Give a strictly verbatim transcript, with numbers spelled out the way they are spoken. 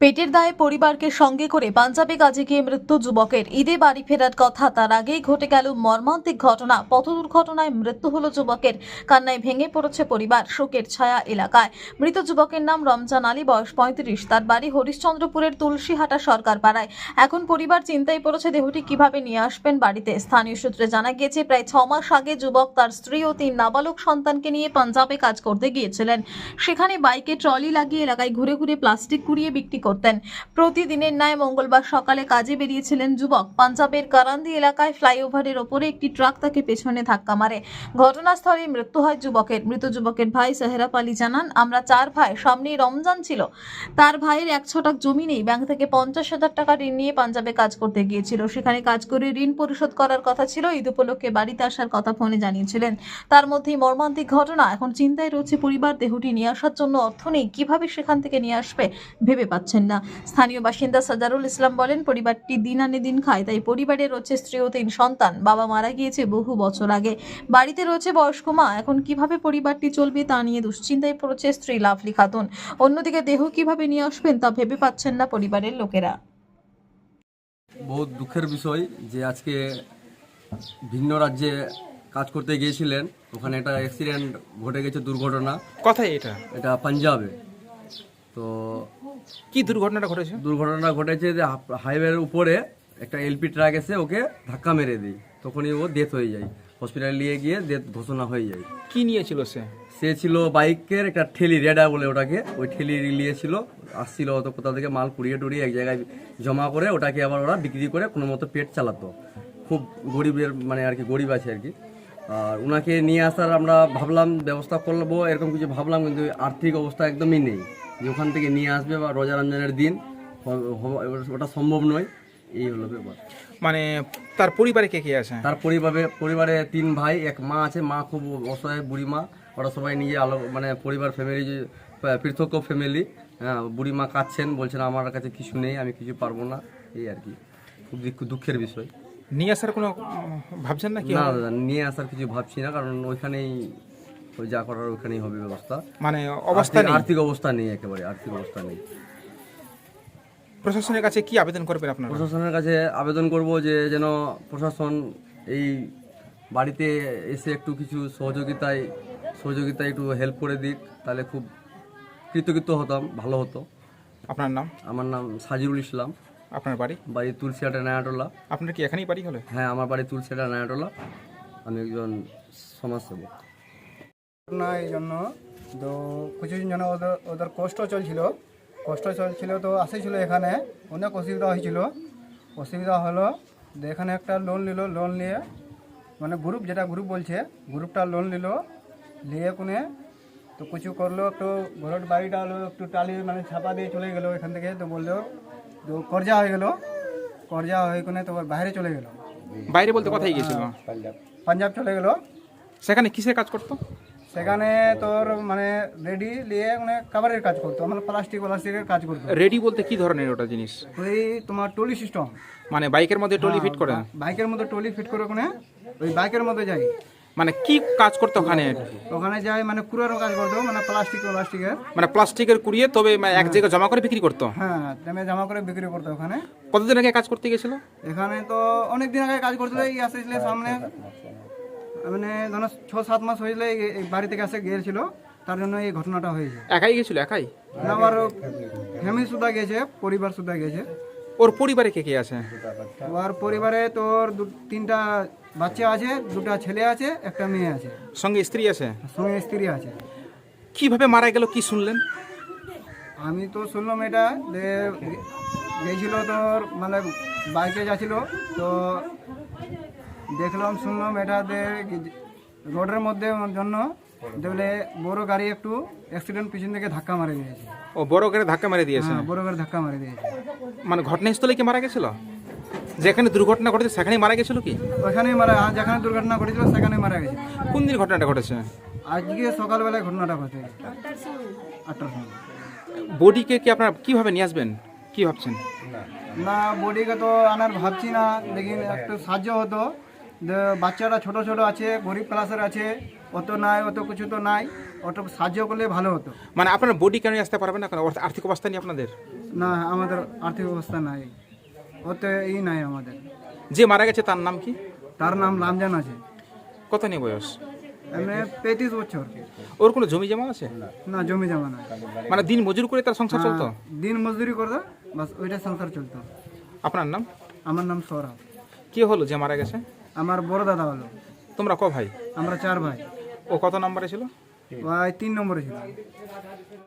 পেটের দায়ে পরিবারকে সঙ্গে করে পাঞ্জাবে কাজে গিয়ে মৃত্যু যুবকের। ঈদে বাড়ি ফেরার কথা, তার আগেই ঘটে গেল মর্মান্তিক ঘটনা। পথ দুর্ঘটনায় মৃত্যু হলো যুবকের। কান্নায় ভেঙে পড়েছে পরিবার, শোকের ছায়া এলাকায়। মৃত যুবকের নাম রমজান আলী, বয়স পঁয়ত্রিশ। তার বাড়ি হরিশ্চন্দ্রপুরের তুলসীহাটা সরকার পাড়ায়। এখন পরিবার চিন্তায় পড়েছে দেহটি কিভাবে নিয়ে আসবেন বাড়িতে। স্থানীয় সূত্রে জানা গিয়েছে, প্রায় ছ মাস আগে যুবক তার স্ত্রী ও তিন নাবালক সন্তানকে নিয়ে পাঞ্জাবে কাজ করতে গিয়েছিলেন। সেখানে বাইকে ট্রলি লাগিয়ে এলাকায় ঘুরে ঘুরে প্লাস্টিক কুড়িয়ে বিক্রি করতেন। প্রতিদিনের ন্যায় মঙ্গলবার সকালে কাজে বেরিয়েছিলেন যুবক। পাঞ্জাবের কারান্দি এলাকায় ফ্লাইওভারের ওপরে একটি ট্রাক তাকে পেছনে ধাক্কা মারে। ঘটনাস্থলে মৃত্যু হয় যুবকের। মৃত যুবকের ভাই সেহরাব আলী জানান, আমরা চার ভাই, সামনেই রমজান ছিল। তার ভাইয়ের এক ছটাক জমি নেই। ব্যাংক থেকে পঞ্চাশ হাজার টাকা ঋণ নিয়ে পাঞ্জাবে কাজ করতে গিয়েছিল। সেখানে কাজ করে ঋণ পরিশোধ করার কথা ছিল। ঈদ উপলক্ষে বাড়িতে আসার কথা ফোনে জানিয়েছিলেন। তার মধ্যেই মর্মান্তিক ঘটনা। এখন চিন্তায় রয়েছে পরিবার। দেহটি নিয়ে আসার জন্য অর্থ নেই, কিভাবে সেখান থেকে নিয়ে আসবে ভেবে পাচ্ছেন না। স্থানীয় বাসিন্দা সাজারুল ইসলাম বলেন, পরিবারটি দিন আনে দিন খায়, তাই পরিবারে রয়েছে স্ত্রী ও তিন সন্তান। বাবা মারা গিয়েছে বহু বছর আগে। বাড়িতে রয়েছে বয়স্ক মা। এখন কিভাবে পরিবারটি চলবে তা নিয়ে দুশ্চিন্তায় পড়েছে স্ত্রী লাভলি খাতুন। অন্যদিকে দেহ কিভাবে নিয়ে আসবেন তা ভেবে পাচ্ছেন না পরিবারের লোকেরা। বহুত দুঃখের বিষয় যে আজকে ভিন্ন রাজ্যে কাজ করতে গিয়েছিলেন, ওখানে একটা অ্যাক্সিডেন্ট ঘটে গেছে, দুর্ঘটনা। কোথায় এটা? এটা পাঞ্জাবে। তো কি দুর্ঘটনাটা ঘটেছে? দুর্ঘটনা ঘটেছে যে হাইওয়ের উপরে একটা এলপি ট্রাক এসে ওকে ধাক্কা মেরে দিই, তখনই ও ডেথ হয়ে যায়। হসপিটালে নিয়ে গিয়ে ডেথ ঘোষণা হয়ে যায়। কি নিয়েছিল সে? সে ছিল বাইকের একটা ঠেলি, রেডা বলে ওটাকে, ওই ঠেলি নিয়েছিল। আসছিল হয়তো কোথা থেকে মাল কুড়িয়ে টুড়িয়ে এক জায়গায় জমা করে ওটাকে আবার ওরা বিক্রি করে কোনো মতো পেট চালাতো। খুব গরিবের মানে আর কি, গরিব আছে আর কি। আর ওনাকে নিয়ে আসার আমরা ভাবলাম ব্যবস্থা করবো, এরকম কিছু ভাবলাম, কিন্তু আর্থিক অবস্থা একদমই নেই যে ওখান থেকে নিয়ে আসবে বা রোজা রমজানের দিন ওটা সম্ভব নয়। এই হলো ব্যাপার। মানে তার পরিবারে কে কে আছে? তার পরিবারে পরিবারে তিন ভাই, এক মা আছে। মা খুব অসহায়, বুড়ি মা। ওরা সবাই নিজে আলো মানে পরিবার ফ্যামিলি, পৃথক ফ্যামিলি। হ্যাঁ, বুড়ি মা কাঁদছেন, বলছেন আমার কাছে কিছু নেই, আমি কিছু পারবো না। এই আর কি, খুব দুঃখের বিষয়। নিয়ে আসার কোনো ভাবছেন না? কি না দাদা, নিয়ে আসার কিছু ভাবছি না, কারণ ওইখানেই ওই যা করার ওইখানেই হবে ব্যবস্থা। মানে অবস্থা নেই, আর্থিক অবস্থা নেই, একেবারে আর্থিক অবস্থা নেই। প্রশাসনের কাছে কি আবেদন করবেন আপনারা? প্রশাসনের কাছে আবেদন করব যে যেন প্রশাসন এই বাড়িতে এসে একটু কিছু সহযোগিতায় সহযোগিতায় একটু হেল্প করে দিক, তাহলে খুব কৃতজ্ঞ হতাম, ভালো হতো। আপনার নাম? আমার নাম সাজিরুল ইসলাম। আপনার বাড়ি? বাড়ি তুলসিয়াটা নায়াটোলা। আপনার কি এখানেই বাড়ি হলে? হ্যাঁ, আমার বাড়ি তুলসিয়াটা নায়াটোলা। আমি একজন সমাজসেবক। না, এই জন্য তো কিছুদিন যেন ওদের ওদের কষ্ট চলছিল কষ্ট চলছিল তো আসেছিল এখানে, অনেক অসুবিধা হয়েছিল। অসুবিধা হলো যে এখানে একটা লোন নিল, লোন নিয়ে মানে গ্রুপ, যেটা গ্রুপ বলছে, গ্রুপটা লোন নিল, নিয়ে কোনে তো কিছু করলো, একটু ঘরের বাড়িটা হলো একটু টালি মানে ছাপা দিয়ে চলে গেলো এখান থেকে। তো বললো তো কর্জা হয়ে গেল, কর্জা হয়ে কোনে তো বাইরে চলে গেল। বাইরে বলতে কোথায় গিয়েছিল? পাঞ্জাব চলে গেল। সেখানে কিসের কাজ করতো? সেখানে তোর মানে রেডি নিয়ে মানে কাভারের কাজ করতো, মানে প্লাস্টিক প্লাস্টিকের কাজ করতো। রেডি বলতে কি ধরনের ওটা জিনিস? ওই তোমার টলি সিস্টেম, মানে বাইকের মধ্যে টলি ফিট করে? বাইকের মধ্যে টলি ফিট করে ওখানে ওই বাইকের মধ্যে যাই। মানে কি কাজ করতো ওখানে? ওখানে যাই মানে কুড়ারও কাজ করতো, মানে প্লাস্টিক প্লাস্টিকের মানে প্লাস্টিকের কুড়িয়ে তবে মানে এক জায়গায় জমা করে বিক্রি করতো? হ্যাঁ, তেমনি জমা করে বিক্রি করতো ওখানে। কতদিন আগে কাজ করতে গেছিল? এখানে তো অনেক দিন আগে কাজ করছিল। এই আসেছিল সামনে মানে ধরো ছ সাত মাস হয়েছিল এই বাড়ি থেকে আসে গিয়েছিল, তার জন্য এই ঘটনাটা হয়েছে। একাই গেছিল? একাই না, আবার ফ্যামিলি সুদ্ধা গেছে, পরিবার সুদ্ধা গেছে। ওর পরিবারে কে কে আছে? ওর পরিবারে তোর তিনটা বাচ্চা আছে, দুটা ছেলে আছে, একটা মেয়ে আছে, সঙ্গে স্ত্রী আছে? সঙ্গে স্ত্রী আছে। কিভাবে মারা গেল কি শুনলেন? আমি তো শুনলাম এটা যে গেছিল তোর মানে বাইকে যাচ্ছিল, তো দেখলাম শুনলাম এটা যে রোডের মধ্যে জন্য দেখলে বড় গাড়ি একটু অ্যাক্সিডেন্ট পিছন থেকে ধাক্কা মারে দিয়েছে। ও বড় করে ধাক্কা মেরে দিয়েছে? হ্যাঁ, বড় করে ধাক্কা মারে দিয়েছে। মানে ঘটনাস্থলে কি মারা গেছিল? যেখানে দুর্ঘটনা ঘটেছে সেখানেই মারা গেছিল কি? ওখানেই মারা, যেখানে দুর্ঘটনা ঘটেছিল সেখানেই মারা গেছে। কোন দিন ঘটনাটা ঘটেছে? আজকে সকালবেলায় ঘটনাটা ঘটে আটটার সময়। বডিকে কি আপনারা কিভাবে নিয়ে আসবেন, কি ভাবছেন? না, বডিকে তো আনার ভাবছি না, লেকিন একটু সাহায্য হতো। যে বাচ্চারা ছোট ছোট আছে, গরিব ক্লাসের আছে, অত নাই, অত কিছু তো নাই, অত সাহায্য করলে ভালো হতো। মানে আপনার বডি কেন আসতে পারবেন না, কারণ আর্থিক অবস্থা নেই আপনাদের? না, আমাদের আর্থিক অবস্থা নাই, অত ই নাই আমাদের। যে মারা গেছে তার নাম কি? তার নাম রামজান আছে। কত নিয়ে বয়স? এমনি পঁয়ত্রিশ বছর। ওর কোনো জমি জমা আছে? না, জমি জমা নাই। মানে দিন মজুর করে তার সংসার চলতো? হ্যাঁ, দিন মজদুরি করতো, বাস ওইটা সংসার চলতো। আপনার নাম? আমার নাম সৌরভ। কি হলো যে মারা গেছে? আমার বড় দাদা হলো। তোমরা ক ভাই? আমরা চার ভাই। ও কত নম্বরে ছিল? ভাই তিন নম্বরে ছিল।